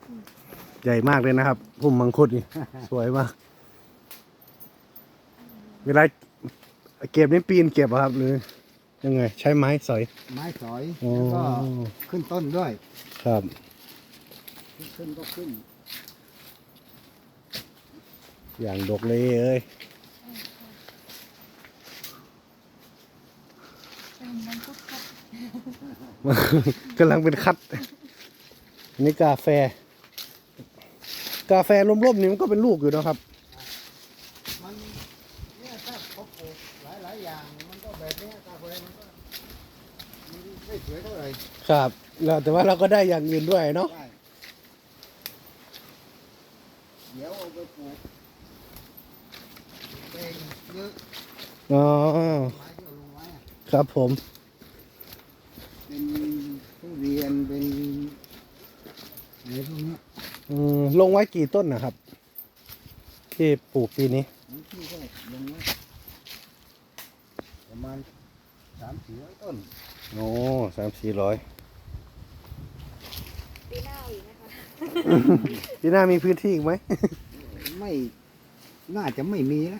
ใหญ่มากเลยนะครับพุ่มมังคุดนี่ สวยมากเวลาเก็บนี่ปีนเก็บอะครับหรือยังไงใช้ไม้สอยไม้สอยโอ้แล้วก็ขึ้นต้นด้วยครับขึ้นก็ขึ้นอย่างดกเลยเอ้ยเป็นมังคุดครับกำลังเป็นคัดนี่กาแฟ กาแฟร่มๆนี่มันก็เป็นลูกอยู่นะครับมันเนี่ยถ้าเขาปลูกหลายอย่างมันก็แบบนี้กาแฟมันก็ไม่สวยเท่าไหร่ครับแล้วแต่ว่าเราก็ได้อย่างอื่นด้วยเนาะได้เดี๋ยวเอาไปปลูกเองเยอะอ๋อไม้ที่เอาลงไว้อะครับผมเป็นทุเรียนเป็นอะไรพวกเนี้ยลงไว้กี่ต้นนะครับ ที่ปลูกปีนี้บางที่ก็ลงไว้ประมาณ300-400 ต้นโอ้300-400 ปีหน้าอีกนะคะปีหน้ามีพื้นที่อีกไหมไม่น่าจะไม่มีแล้ว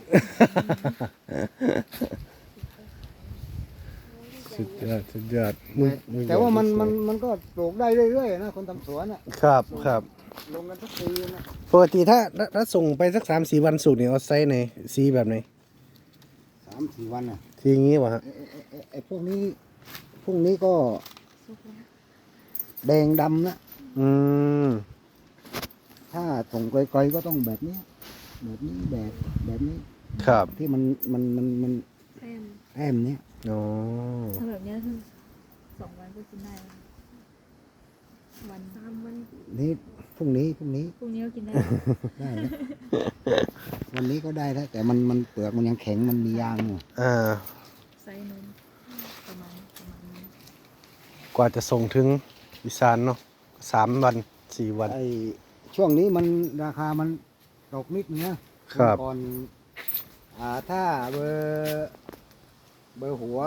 สุดยอดสุดยอดแต่ว่ามันก็ปลูกได้เรื่อยๆนะคนทำสวนอ่ะครับครับลงกันทุกปีนะปกติถ้าส่งไปสัก3-4 วันสุกเนี่ยเอาไซส์ไหนสีแบบไหน 3-4 วันอ่ะทีอย่างงี้วะฮะไอ้พวกนี้ก็สุกแล้วแดงดำนะอืมถ้าส่งไกลๆก็ต้องแบบนี้แบบนี้ครับที่มันแป้มแอมเนี้ยอ๋อถ้าแบบเนี้ยคือ2 วันก็กินได้แล้ววัน3 วันนี่พรุ่งนี้พรุ่งนี้ก็กินได้ได้นะ วันนี้ก็ได้แล้วแต่มันเปลือกมันยังแข็งมันมียางอยู่อ่าไซส์นมประมาณนี้กว่าจะส่งถึงอีสานเนาะ3 วัน 4 วันไอ้ช่วงนี้มันราคามันตกนิดนึงนะครับ ก่อนถ้าเบอร์หัว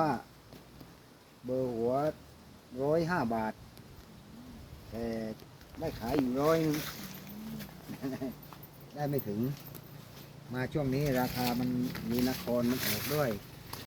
105 บาท แต่ได้ขายอยู่100 นึง ได้ไม่ถึง มาช่วงนี้ราคามันมีนครมันออกด้วย